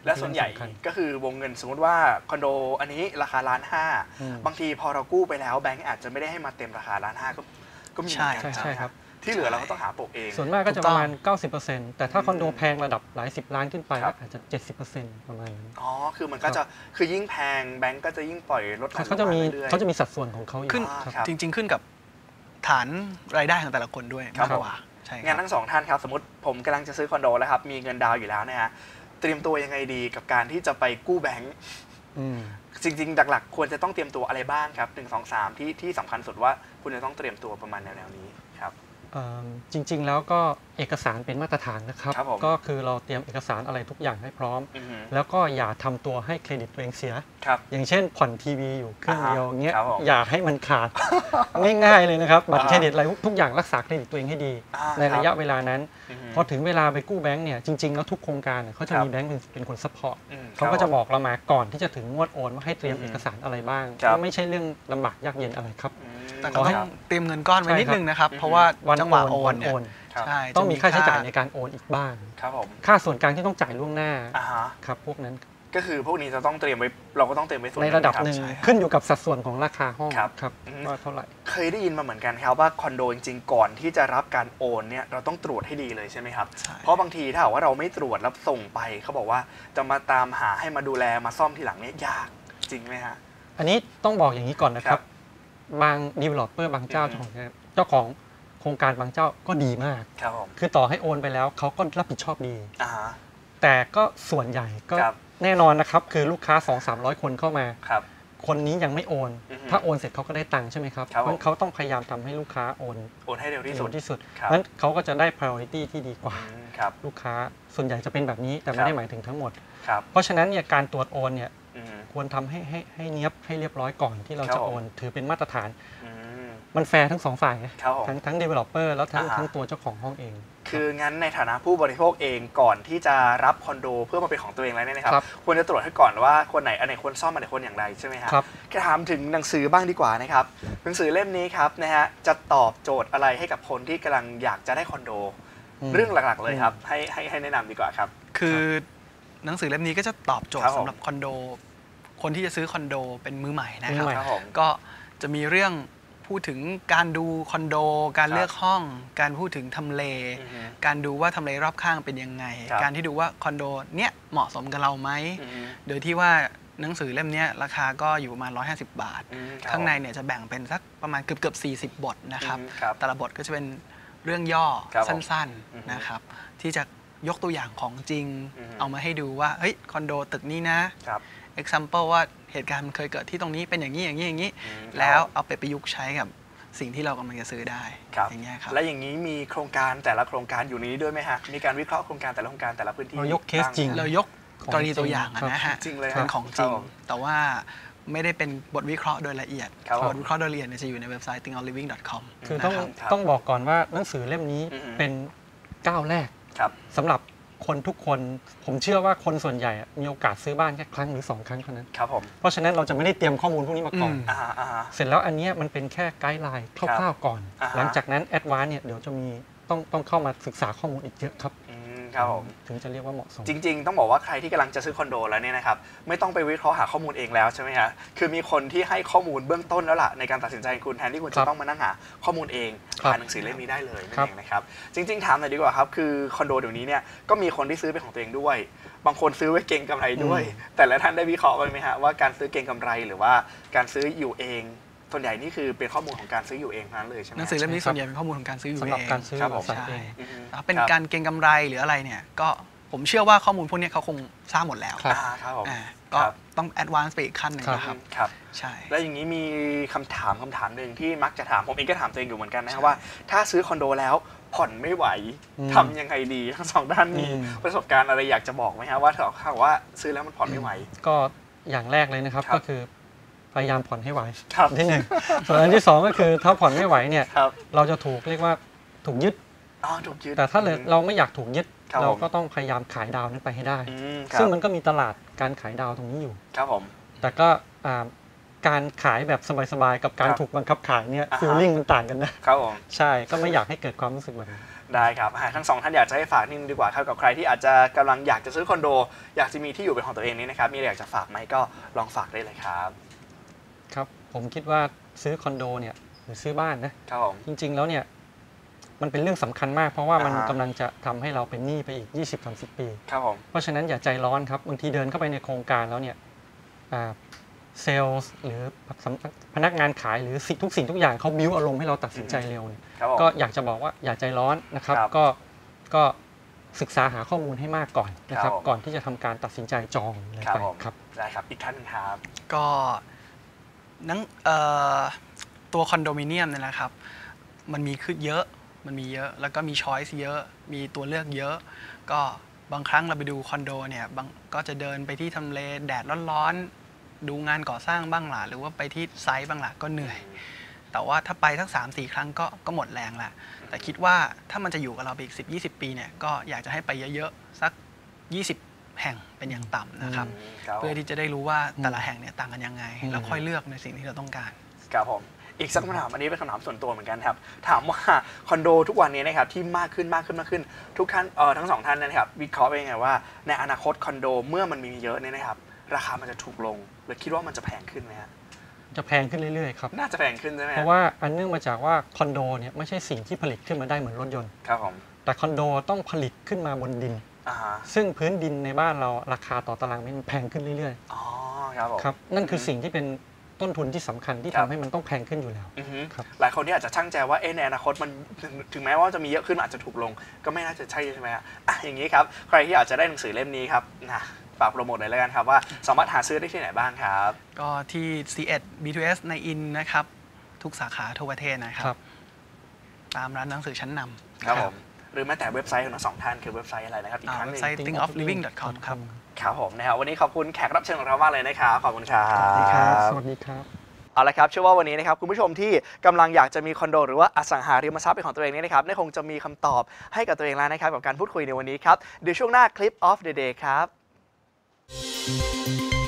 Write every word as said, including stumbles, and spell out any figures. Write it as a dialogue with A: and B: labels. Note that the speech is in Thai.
A: และส่วนใหญ่ก็คือวงเงินสมมติว่าคอนโดอันนี้ราคาล้านห้าบางทีพอเรากู้ไปแล้วแบงก์อาจจะไม่ได้ให้มาเต็มราคาล้านห้าก็ก็มีเหมือนกันใช่ครับที่เหลือเราก็ต้องหาโปะเอง
B: ส่วนมากก็จะประมาณ เก้าสิบเปอร์เซ็นต์ แต่ถ้าคอนโดแพงระดับหลายสิบล้านขึ้นไปอาจจะ เจ็ดสิบเปอร์เซ็นต์ ประมาณนั้น
A: อ๋อคือมันก็จะคือยิ่งแพงแบงก์ก็จะยิ่งปล่อยลดหลั่น
B: เขาจะมีเขาจะมีสัดส่วนของเขาอยู่
C: ขึ้นจริงๆขึ้นกับฐานรายได้ของแต่ละคนด้วยมากกว่าใช่
A: งั้นทั้งสองท่านครับสมมติผมกำลังจะซื้อคอนโดแล้วครับมีเงินดาวอยู่แล้วนะฮะเตรียมตัวยังไงดีกับการที่จะไปกู้แบงก์จริงๆหลักๆควรจะต้องเตรียมตัวอะไรบ้างครับหนึ่งสองสามที่ที่สำคัญสุดว่าคุณจะต้องเตรียมตัวประมาณแนวๆนี้ครับ
B: จริงๆแล้วก็เอกสารเป็นมาตรฐานนะครับก็คือเราเตรียมเอกสารอะไรทุกอย่างให้พร้อมแล้วก็อย่าทำตัวให้เครดิตตัวเองเสียอย่างเช่นผ่อนทีวีอยู่เครื่องเดียวเงี้ยอย่าให้มันขาดง่ายๆเลยนะครับบัตรเครดิตอะไรทุกอย่างรักษาเครดิตตัวเองให้ดีในระยะเวลานั้นพอถึงเวลาไปกู้แบงก์เนี่ยจริงๆแล้วทุกโครงการเขาจะมีแบงก์เป็นคนซัพพอร์ตเขาก็จะบอกเรามาก่อนที่จะถึงงวดโอนว่าให้เตรียมเอกสารอะไรบ้างไม่ใช่เรื่องลำบากยากเย็นอะไรครับ
C: แต่ก็ต้องเตรียมเงินก้อนไว้นิดนึงนะครับเพราะว่าจังหวะโอนเนี่ย
B: ต้องมีค่าใช้จ่ายในการโอนอีกบ้างค่าส่วนกลางที่ต้องจ่ายล่วงหน้าครับพวกนั้น
A: ก็คือพวกนี้จะต้องเตรียมไว้เราก็ต้องเตรียมไว้ส่วน
B: ในระดับหนึ่งขึ้นอยู่กับสัดส่วนของราคาห้องครับว่าเท่าไหร่
A: เคยได้ยินมาเหมือนกันครับว่าคอนโดจริงๆก่อนที่จะรับการโอนเนี่ยเราต้องตรวจให้ดีเลยใช่ไหมครับเพราะบางทีถ้าว่าเราไม่ตรวจแล้วส่งไปเขาบอกว่าจะมาตามหาให้มาดูแลมาซ่อมทีหลังเนี่ยยากจริงไหมฮะ
B: อันนี้ต้องบอกอย่างนี้ก่อนนะครับบาง developer บางเจ้าเจ้าของเจ้าของโครงการบางเจ้าก็ดีมากคือต่อให้โอนไปแล้วเขาก็รับผิดชอบดีแต่ก็ส่วนใหญ่ก็แน่นอนนะครับคือลูกค้า สองถึงสามร้อย คนเข้ามาคนนี้ยังไม่โอนถ้าโอนเสร็จเขาก็ได้ตังค์ใช่ไหมครับเพราะเขาต้องพยายามทำให้ลูกค้าโอน
A: โอนให้เร็วที่สุด
B: ที่สุดนั้นเขาก็จะได้ priority ที่ดีกว่าลูกค้าส่วนใหญ่จะเป็นแบบนี้แต่ไม่ได้หมายถึงทั้งหมดเพราะฉะนั้นเนี่ยการตรวจโอนเนี่ยควรทำให้ให้ให้เนียบให้เรียบร้อยก่อนที่เราจะโอนถือเป็นมาตรฐานมันแฟร์ทั้งสองฝ่ายทั้งทั้ง developer แล้วทั้งทั้งตัวเจ้าของห้องเอง
A: คืองั้นในฐานะผู้บริโภคเองก่อนที่จะรับคอนโดเพื่อมาเป็นของตัวเองแล้วเนี่ยนะครับควรจะตรวจให้ก่อนว่าคนไหนอันไหนควรซ่อมอันไหนควรอย่างไรใช่ไหมครับแค่ถามถึงหนังสือบ้างดีกว่านะครับหนังสือเล่มนี้ครับนะฮะจะตอบโจทย์อะไรให้กับคนที่กำลังอยากจะได้คอนโดเรื่องหลักๆเลยครับให้ให้ให้แนะนำดีกว่าครับ
C: คือหนังสือเล่มนี้ก็จะตอบโจทย์สำหรับคอนโดคนที่จะซื้อคอนโดเป็นมือใหม่นะครับก็จะมีเรื่องพูดถึงการดูคอนโดการเลือกห้องการพูดถึงทำเลการดูว่าทำเลรอบข้างเป็นยังไงการที่ดูว่าคอนโดเนี้ยเหมาะสมกับเราไหมโดยที่ว่าหนังสือเล่มนี้ราคาก็อยู่ประมาณหนึ่งร้อยห้าสิบบาทข้างในเนี่ยจะแบ่งเป็นสักประมาณเกือบเกือบสี่สิบบทนะครับแต่ละบทก็จะเป็นเรื่องย่อสั้นๆนะครับที่จะยกตัวอย่างของจริงเอามาให้ดูว่าเฮ้ยคอนโดตึกนี้นะ example ว่าเหตุการณ์มันเคยเกิดที่ตรงนี้เป็นอย่างนี้อย่างนี้อย่างนี้แล้วเอาไปประยุกต์ใช้กับสิ่งที่เรากำลังจะซื้อได้
A: อย่างเงี้ยครับและอย่างนี้มีโครงการแต่ละโครงการอยู่นี้ด้วยไหมฮะมีการวิเคราะห์โครงการแต่ละโครงการแต่ละพื้นที่
B: เรายกเคสจริง
C: เรายกกรณีตัวอย่างนะฮะเป็นของจริงแต่ว่าไม่ได้เป็นบทวิเคราะห์โดยละเอียดบทวิเคราะห์โดยละเอียดจะอยู่ในเว็บไซต์ think out living dot com
B: คือต้องต้องบอกก่อนว่าหนังสือเล่มนี้เป็นก้าวแรกสำหรับคนทุกคนผมเชื่อว่าคนส่วนใหญ่มีโอกาสซื้อบ้านแค่ครั้งหรือสองครั้งเท่านั้น
A: ครับผม
B: เพราะฉะนั้นเราจะไม่ได้เตรียมข้อมูลพวกนี้มาก่อนเสร็จแล้วอันนี้มันเป็นแค่ไกด์ไลน์คร่าวๆก่อนหลังจากนั้นแอดวานซ์เนี่ยเดี๋ยวจะมีต้องต้องเข้ามาศึกษาข้อมูลอีกเยอะครับ
A: ครับผม
B: ถึงจะเรียกว่าเหมาะสม
A: จริงๆต้องบอกว่าใครที่กำลังจะซื้อคอนโดแล้วเนี่ยนะครับไม่ต้องไปวิเคราะห์หาข้อมูลเองแล้วใช่ไหมฮะคือมีคนที่ให้ข้อมูลเบื้องต้นแล้วล่ะในการตัดสินใจคุณแทนที่คุณจะต้องมานั่งหาข้อมูลเองผ่านหนังสือเล่มนี้ได้เลยนั่นเองนะครับจริงๆถามหน่อยดีกว่าครับคือคอนโดเดี๋ยวนี้เนี่ยก็มีคนที่ซื้อเป็นของตัวเองด้วยบางคนซื้อไว้เก็งกำไรด้วยแต่ละท่านได้วิเคราะห์ไหมฮะว่าการซื้อเก็งกำไรหรือว่าการซื้ออยู่เองส่วนใหญ่นี่คือเป็นข้อมูลของการซื้ออยู่เองนั้นเลยใช่ไหม
C: หนังสือเล่มนี้ส่วนใหญ่เป็นข้อมูลของการซื้ออยู่เอง
B: สำหรับการซื้อ
C: ใช่เป็นการเก็งกำไรหรืออะไรเนี่ยก็ผมเชื่อว่าข้อมูลพวกนี้เขาคงทราบหมดแล้วก็ต้องแอดวานซ์ไปอีกขั้นหนึ่งนะครับ
A: ครับใช่แล้วอย่างนี้มีคำถามคำถามหนึ่งที่มักจะถามผมเองก็ถามตัวเองอยู่เหมือนกันนะครับว่าถ้าซื้อคอนโดแล้วผ่อนไม่ไหวทำยังไงดีทั้งสองด้านมีประสบการณ์อะไรอยากจะบอกไหมครับว่าถ้าว่าซื้อแล้วมันผ่อนไม่ไหว
B: ก็อย่างแรกเลยนะครับก็คือพยายามผ่อนให้ไหวที่หนึ่งส่วนอันที่สองก็คือถ้าผ่อนไม่ไหวเนี่ยเราจะถูกเรียกว่าถูกยึดแต่ถ้าเราไม่อยากถูกยึดเราก็ต้องพยายามขายดาวนั้นไปให้ได้ซึ่งมันก็มีตลาดการขายดาวตรงนี้อยู่
A: ครับผม
B: แต่ก็การขายแบบสบายๆกับการถูกบังคับขายเนี่ยฟีลลิ่งมันต่างกันนะครับ
A: ผม
B: ใช่ก็ไม่อยากให้เกิดความรู้สึกแบบนั้น
A: ได้ครับทั้งสองท่านอยากจะให้ฝากนิดนึงดีกว่าครับกับใครที่อาจจะกำลังอยากจะซื้อคอนโดอยากจะมีที่อยู่เป็นของตัวเองนี้นะครับมีอะไรอยากจะฝากไหมก็ลองฝากได้เลยครับ
B: ครับผมคิดว่าซื้อคอนโดเนี่ยหรือซื้อบ้านนะครับผมจริงๆแล้วเนี่ยมันเป็นเรื่องสำคัญมากเพราะว่ามันกำลังจะทำให้เราเป็นหนี้ไปอีก ยี่สิบถึงสามสิบ ปี
A: ครับผม
B: เพราะฉะนั้นอย่าใจร้อนครับบางทีเดินเข้าไปในโครงการแล้วเนี่ยเซลล์หรือพนักงานขายหรือทุกสิ่งทุกอย่างเขาบิ้วอารมณ์ให้เราตัดสินใจเร็วเนี่ยก็อยากจะบอกว่าอย่าใจร้อนนะครับก็ก็ศึกษาหาข้อมูลให้มากก่อนนะครับก่อนที่จะทำการตัดสินใจจองเลยไปครับ
A: ได้ครับอีกท่านนึงครับ
C: ก็นั่งตัวคอนโดมิเนียมเนี่ยนะครับมันมีขึ้นเยอะมันมีเยอะแล้วก็มีช้อยส์เยอะมีตัวเลือกเยอะก็บางครั้งเราไปดูคอนโดเนี่ยบางก็จะเดินไปที่ทำเลแดดร้อนๆดูงานก่อสร้างบ้างล่ะหรือว่าไปที่ไซต์บ้างล่ะก็เหนื่อยแต่ว่าถ้าไปสัก สามสี่ ครั้งก็ก็หมดแรงละแต่คิดว่าถ้ามันจะอยู่กับเราไปอีก สิบ ยี่สิบ ปีเนี่ยก็อยากจะให้ไปเยอะๆสักยี่สิบแห่งเป็นอย่างต่ำนะครับเพื่อที่จะได้รู้ว่าแต่ละแห่งเนี่ยต่างกันยังไงแล้วค่อยเลือกในสิ่งที่เราต้องการ
A: ครับผมอีกสักคำถามอันนี้เป็นคำถามส่วนตัวเหมือนกันครับถามว่าคอนโดทุกวันนี้นะครับที่มากขึ้นมากขึ้นมากขึ้นทุกท่านเออทั้งสองท่านนะครับวิเคราะห์ไปยังไงว่าในอนาคตคอนโดเมื่อมันมีเยอะเนี่ยนะครับราคามันจะถูกลงหรือคิดว่ามันจะแพงขึ้นไหมฮะ
B: จะแพงขึ้นเรื่อยๆครับ
A: น่าจะแพงขึ้นใช่ไหม
B: เพราะว่าอันเนื่องมาจากว่าคอนโดเนี่ยไม่ใช่สิ่งที่ผลิตขึ้นมาได้เหมือนรถยนต์
A: ครับผม
B: แต่คอนโดต้องผลิตขึ้นมาบนดินซึ่งพื้นดินในบ้านเราราคาต่อตารางเมตรแพงขึ้นเรื่อย
A: ๆอ๋อครับผม
B: ครับนั่นคือสิ่งที่เป็นต้นทุนที่สำคัญที่ทำให้มันต้องแพงขึ้นอยู่แล้ว
A: ครับหลายคนที่อาจจะชั่งใจว่าเอ๊ะในอนาคตมันถึงแม้ว่าจะมีเยอะขึ้นอาจจะถูกลงก็ไม่น่าจะใช่ใช่ไหมฮะอ่ะอย่างนี้ครับใครที่อาจจะได้หนังสือเล่มนี้ครับนะฝากโปรโมทหน่อยแล้วกันครับว่าสามารถหาซื้อได้ที่ไหนบ้างครับ
C: ก็ที่ ซี เอ็ด บี ทู เอส ในอินนะครับทุกสาขาทั่วประเทศนะครับตามร้านหนังสือชั้นน
A: ำครับผมหรือแม้แต่เว็บไซต์ของทั้งสองท่านคือเว็บไซต์อะไรนะครับอีกครั้งนึง
C: เว็บไซต์ think of living ดอท คอม ครับ
A: ครับผมนะครับวันนี้ขอบคุณแขกรับเชิญของเรามากเลยนะครับขอบคุณครับ
B: สวัสดีครับสวัสดีครับ
A: เอาละครับเชื่อว่าวันนี้นะครับคุณผู้ชมที่กำลังอยากจะมีคอนโดหรือว่าอสังหาริมทรัพย์เป็นของตัวเองนี่นะครับได้คงจะมีคำตอบให้กับตัวเองแล้วนะครับกับการพูดคุยในวันนี้ครับเดี๋ยวช่วงหน้าคลิป of the day ครับ